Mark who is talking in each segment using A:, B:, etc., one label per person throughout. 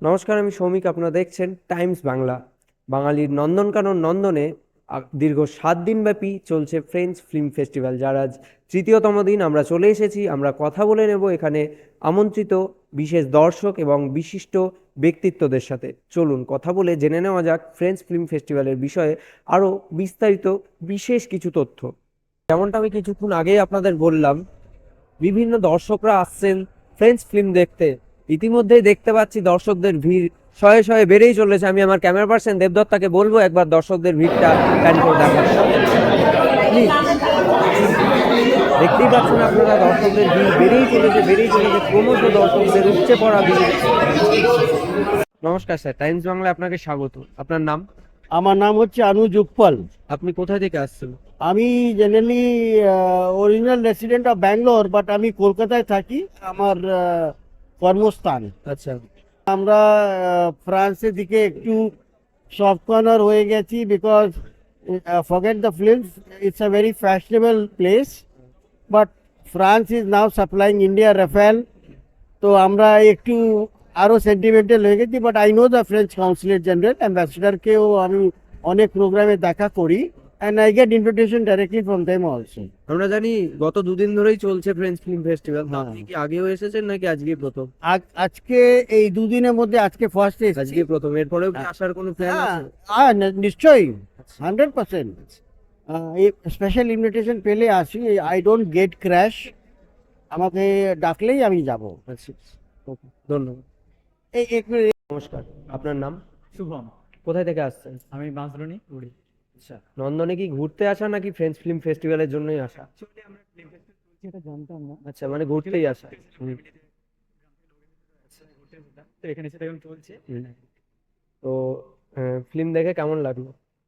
A: নমস্কার, আমি সৌমিক। আপনারা দেখছেন টাইমস বাংলা। বাঙালির নন্দনকানন নন্দনে দীর্ঘ 7 দিন ব্যাপী চলছে ফ্রেঞ্চ ফিল্ম ফেস্টিভ্যাল, যার আজ তৃতীয়তম দিন। আমরা চলে এসেছি, আমরা কথা বলে নেব এখানে আমন্ত্রিত বিশেষ দর্শক এবং বিশিষ্ট ব্যক্তিত্বদের সাথে। চলুন কথা বলে জেনে নেওয়া যাক ফ্রেঞ্চ ফিল্ম ফেস্টিভ্যালের বিষয়ে আরও বিস্তারিত বিশেষ কিছু তথ্য। যেমনটা আমি কিছুক্ষণ আগেই আপনাদের বললাম, বিভিন্ন দর্শকরা আসছেন ফ্রেঞ্চ ফিল্ম দেখতে। ইতিমধ্যেই দেখতে পাচ্ছি দর্শকদের ভিড় শয়ে শয়ে বেড়েই চলেছে। আমি আমার ক্যামেরা পার্সন দেবদত্তাকে বলবো একবার দর্শকদের ভিড়টা প্ল্যান করে দেখার। প্লিজ, দেখতেই পাচ্ছেন আপনারা দর্শকদের ভিড় বেড়েই চলেছে ক্রমশ দর্শকদের উপচে পড়া ভিড়। নমস্কার স্যার, টাইমস বাংলায় আপনাকে স্বাগত। আপনার নাম?
B: আমার নাম হচ্ছে অনুজ উপ্পল।
A: আপনি কোথায় থেকে আসছেন?
B: আমি generally original resident of Bangalore, but আমি কলকাতায় থাকি, আমার কর্মস্থান।
A: আচ্ছা।
B: আমরা ফ্রান্সের দিকে একটু সফট কর্নার হয়ে গেছি, because forget the films, it's a very fashionable place, but France is now supplying India Rafale. তো আমরা একটু আরও সেন্টিমেন্টাল হয়ে গেছি, but I know the French consulate general অ্যাম্বাসেডারকেও আমি অনেক প্রোগ্রামে দেখা করি, and I get invitation directly from them also.
A: আমরা জানি গত দুদিন ধরেই চলছে ফ্রেঞ্চ ফিল্ম ফেস্টিভ্যাল।
B: হ্যাঁ।
A: আপনি কি আগেও এসেছেন নাকি আজকে প্রথম?
B: আজকে এই দুদিনের মধ্যে আজকে ফার্স্ট এসেছি।
A: আজকে প্রথম, এরপরেও কি আসার কোনো প্ল্যান আছে?
B: নিশ্চয়ই, 100%। এই স্পেশাল ইনভিটেশন পেলে আসি, আই ডোন্ট গেট ক্র্যাশ। আমাকে ডাকলেই আমি যাব।
A: আচ্ছা, ওকে, ধন্যবাদ।
B: এই এক মিনিট।
A: নমস্কার, আপনার নাম?
C: শুভম।
A: কোথায় থেকে আসছেন?
C: আমি বাঁশদ্রোণী উড়ি।
A: আচ্ছা, নন্দনে কি ঘুরতে আসা নাকি ফ্রেঞ্চ ফিল্ম ফেস্টিভ্যালের জন্যই আসা?
C: অ্যাকচুয়ালি আমরা ফিল্ম ফেস্টিভ্যাল চলছে এটা জানতাম না।
A: আচ্ছা, মানে ঘুরতেই আসা। হুম।
C: ঘুরতে যেতাম, তো এখানে সেটা এখন চলছে।
A: হুম। তো ফিল্ম দেখে কেমন লাগলো?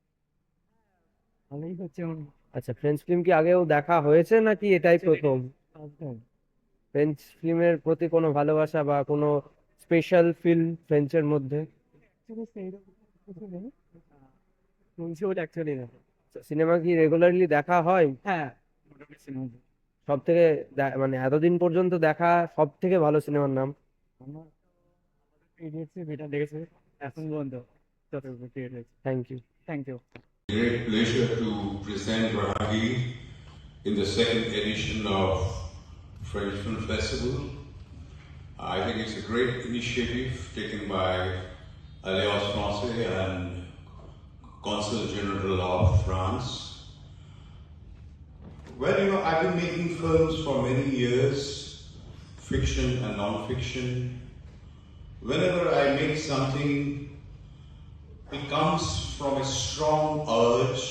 C: ভালোই হচ্ছে এখন।
A: আচ্ছা, ফ্রেঞ্চ ফিল্ম কি আগেও দেখা হয়েছে নাকি এটাই প্রথম? ফ্রেঞ্চ ফিল্মের প্রতি কোনো ভালোবাসা বা কোনো স্পেশাল ফিল্ম ফ্রেঞ্চের মধ্যে?
C: অ্যাকচুয়ালি সেইরকম কিছু নেই, চলছে ওটা অ্যাকচুয়ালি না।
A: সিনেমা কি রেগুলারলি দেখা হয়?
C: হ্যাঁ, মোটামুটি সিনেমা
A: সব থেকে মানে এতদিন পর্যন্ত দেখা সব থেকে ভালো সিনেমার নাম?
C: আমার ইডিয়টস বেটার লেগেছে এখন পর্যন্ত, যতটুকু ক্রিয়েট হয়েছে।
A: Thank you.
C: Thank you.
D: Great pleasure to present Rahagi in the second edition of French Film Festival. I think it's a great initiative taken by Alliance Francaise and Consul General of France. Well, I've been making films for many years, fiction and non-fiction. Whenever I make something, it comes from a strong urge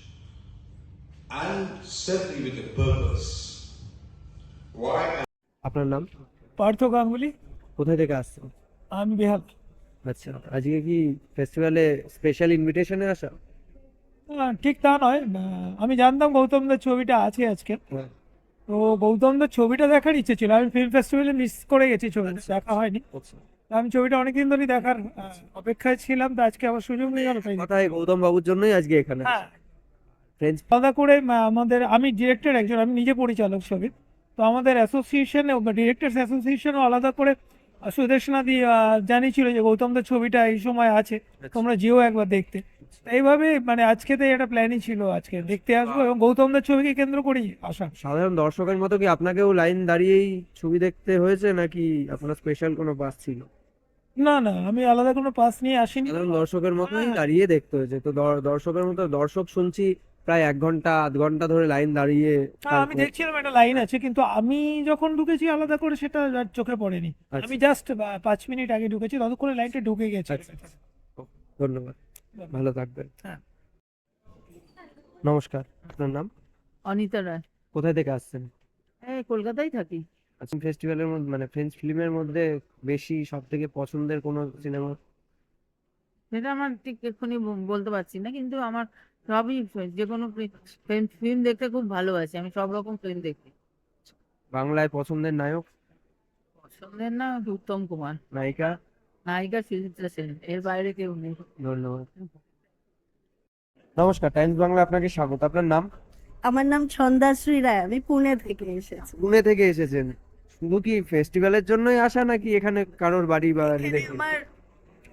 D: and certainly with a purpose. Why?
A: আপনার নাম?
E: পার্থ গাঙ্গুলি।
A: কোথায় থেকে আসছেন?
E: আমি বেহাল।
A: আচ্ছা, আজকে কি ফেস্টিভ্যালে স্পেশাল ইনভিটেশনে আসা?
E: ঠিক তা নয়, আমি জানতাম গৌতমদার ছবিটা আছে আজকে,
A: হ্যাঁ।
E: তো গৌতমদার ছবিটা দেখার ইচ্ছে ছিল। আমি ফিল্ম ফেস্টিভ্যালে মিস করে গেছি, ছবিটা দেখা হয়নি।
A: আচ্ছা।
E: তো আমি ছবিটা অনেকদিন ধরে দেখার অপেক্ষায় ছিলাম, তো আজকে আবার সুযোগ নিয়ে গেল, তাই
A: কথাই গৌতম বাবুর জন্যই আজকে এখানে।
E: হ্যাঁ,
A: ফ্রেঞ্চ
E: আলাদা করে আমাদের, আমি ডিরেক্টর একজন, আমি নিজে পরিচালক ছবির, তো আমাদের অ্যাসোসিয়েশনে, ডিরেক্টরস অ্যাসোসিয়েশনও আলাদা করে সুদেশনাদি জানিয়েছিল যে গৌতমদের ছবিটা এই সময় আছে, তোমরা যেও একবার দেখতে। এইভাবে মানে আজকে তো একটা প্ল্যানই ছিল, আজকে দেখতে আসবো এবং গৌতমদের ছবিকে কেন্দ্র করেই আসা।
A: সাধারণ দর্শকের মতো কি আপনাকেও লাইন দাঁড়িয়েই ছবি দেখতে হয়েছে নাকি আপনার স্পেশাল কোনো পাস ছিল?
E: না না, আমি আলাদা কোনো পাস নিয়ে আসিনি।
A: সাধারণ দর্শকের মতোই
E: হ্যাঁ।
A: দাঁড়িয়ে দেখতে হয়েছে তো? দর্শকের মতো দর্শক শুনছি প্রায় 1 ঘন্টা 2 ঘন্টা ধরে লাইন দাঁড়িয়ে।
E: হ্যাঁ, আমি দেখছিলাম একটা লাইন আছে, কিন্তু আমি যখন ঢুকেছি আলাদা করে সেটা আর চোখে পড়েনি।
A: আচ্ছা।
E: আমি জাস্ট 5 মিনিট আগে ঢুকেছি, ততক্ষণে লাইনটা ঢুকে গেছে।
A: আচ্ছা, ধন্যবাদ, ভালো থাকবেন।
E: হ্যাঁ।
A: নমস্কার, আপনার নাম?
F: অনিতা রায়।
A: কোথায় থেকে আসছেন?
F: এই কলকাতায় থাকি।
A: আচ্ছা, ফেস্টিভ্যালের মধ্যে মানে ফ্রেঞ্চ ফিল্মের মধ্যে বেশি সব থেকে পছন্দের কোনো সিনেমা?
F: সেটা আমার ঠিক এক্ষুনি বলতে পারছি না, কিন্তু আমার সবই যে কোনো ফিল্ম দেখতে খুব ভালোবাসি, আমি সব রকম ফিল্ম দেখি।
A: বাংলায় পছন্দের নায়ক?
F: পছন্দের না উত্তম কুমার,
A: নায়িকা?
F: নায়িকা সুচিত্রা সেন, এর বাইরে কেউ নেই।
A: ধন্যবাদ। নমস্কার, টাইমস বাংলা আপনাকে স্বাগত। আপনার নাম?
G: আমার নাম ছন্দাশ্রী রায়, আমি পুনে থেকে এসেছি।
A: পুনে থেকে এসেছেন? শুধু কি ফেস্টিভ্যালের জন্যই আসা নাকি এখানে কারোর বাড়ি বা
G: এখানে
A: রিলেটিভ?
G: আমার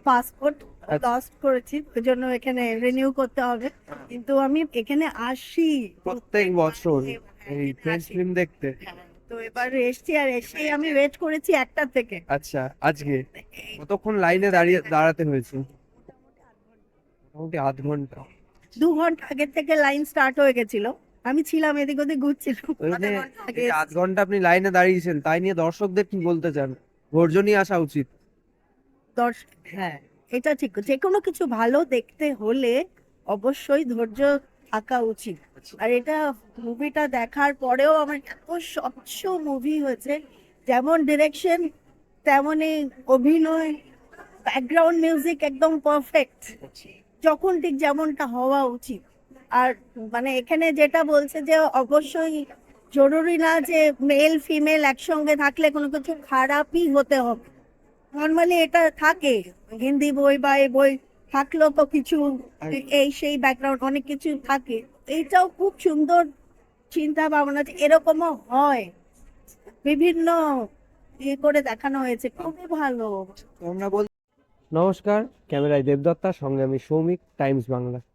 G: পাসপোর্ট
A: আচ্ছা।
G: লস্ট করেছি, ওই জন্য এখানে রিনিউ করতে হবে, কিন্তু আমি এখানে আসি
A: প্রত্যেক বছর এই
G: এখানে
A: ফ্রেঞ্চ
G: আসি।
A: ফিল্ম দেখতে।
G: হ্যাঁ, তো এবার এসছি, আর এসে আমি ওয়েট করেছি 1টা থেকে।
A: আচ্ছা, আজকে কতক্ষণ লাইনে দাঁড়াতে হয়েছে? মোটামুটি আধ ঘন্টা।
G: 2 ঘন্টা আগে থেকে লাইন স্টার্ট হয়ে গেছিল, আমি ছিলাম এদিক ওদিক ঘুরছিলাম
A: ওই
G: আধা
A: যে
G: ঘন্টা আগে
A: এই যে আধ ঘন্টা আপনি লাইনে দাঁড়িয়েছেন, তাই নিয়ে দর্শকদের কি বলতে চান? ধৈর্য নিয়ে আসা উচিত।
G: হ্যাঁ, এটা ঠিক। যে কোনো কিছু ভালো দেখতে হলে অবশ্যই ধৈর্য থাকা উচিত। আর এটা মুভিটা দেখার পরেও আমার এত স্বচ্ছ মুভি হয়েছে, যেমন ডিরেকশন তেমনই অভিনয়, ব্যাকগ্রাউন্ড মিউজিক একদম পারফেক্ট, যখন ঠিক যেমনটা হওয়া উচিত। আর মানে এখানে যেটা বলছে যে অবশ্যই জরুরি না যে মেল ফিমেল একসঙ্গে থাকলে কোনো কিছু খারাপই হতে হবে। নর্মালি এটা থাকে, হিন্দি বই বা এই বই থাকলেও তো কিছু এই সেই ব্যাকগ্রাউন্ড অনেক কিছু থাকে। এইটাও খুব সুন্দর চিন্তা ভাবনা, যে এরকমও হয়, বিভিন্ন ইয়ে করে দেখানো হয়েছে, খুবই ভালো।
A: তো আমরা বল। নমস্কার, ক্যামেরায় দেবদত্তা, সঙ্গে আমি সৌমিক, টাইমস বাংলা।